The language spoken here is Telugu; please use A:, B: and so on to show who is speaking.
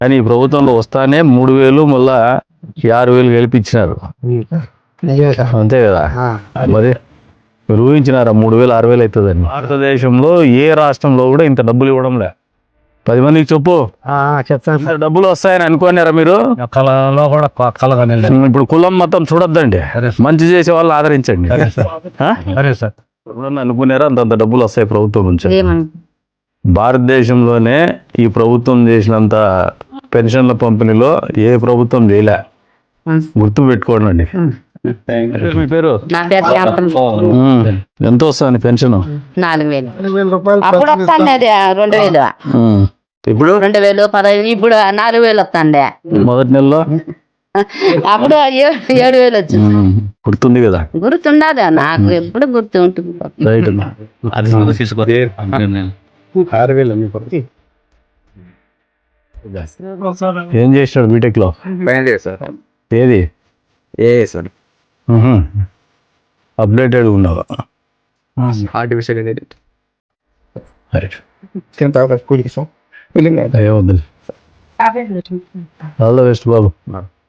A: కానీ ఈ ప్రభుత్వంలో వస్తానే 3,000 మళ్ళా 6,000 గెలిపించినారు. అంతే కదా. మరి మీరు ఊహించినారా 3,000 6,000 అవుతుందని? భారతదేశంలో ఏ రాష్ట్రంలో కూడా ఇంత డబ్బులు ఇవ్వడం లే. 10 మందికి చెప్పు, చెప్తాను. డబ్బులు వస్తాయని అనుకున్నారా మీరు? కళలో కూడా కలగని. ఇప్పుడు కులం మతం చూడొద్దండి, మంచి చేసే వాళ్ళని ఆదరించండి. సరే సార్. అనుకున్నారా అంతంత డబ్బులు వస్తాయి ప్రభుత్వం నుంచి? భారతదేశంలోనే ఈ ప్రభుత్వం చేసినంత పెన్షన్ల పంపిణీలో ఏ ప్రభుత్వం చేయలే. గుర్తు పెట్టుకోండి. మీ పేరు? ఎంత వస్తుంది పెన్షన్?
B: 4,000. అప్పుడు వస్తాండే 2,000.
A: ఇప్పుడు
B: 2,000 15. ఇప్పుడు 4,000 వస్తాండే
A: మొదటి నెలలో.
B: అప్పుడు 7,000 వచ్చింది.
A: గుర్తుంది కదా?
B: గుర్తుండదా? నాకు ఎప్పుడు గుర్తు ఉంటుంది.
A: రైట్. ఏం చేసినాడు బీటెక్ లో? ఏది అప్డేటెడ్ ఉన్నావా?
C: ఆర్టిఫిషియల్
A: ఏమవుతుంది? All the best Babu.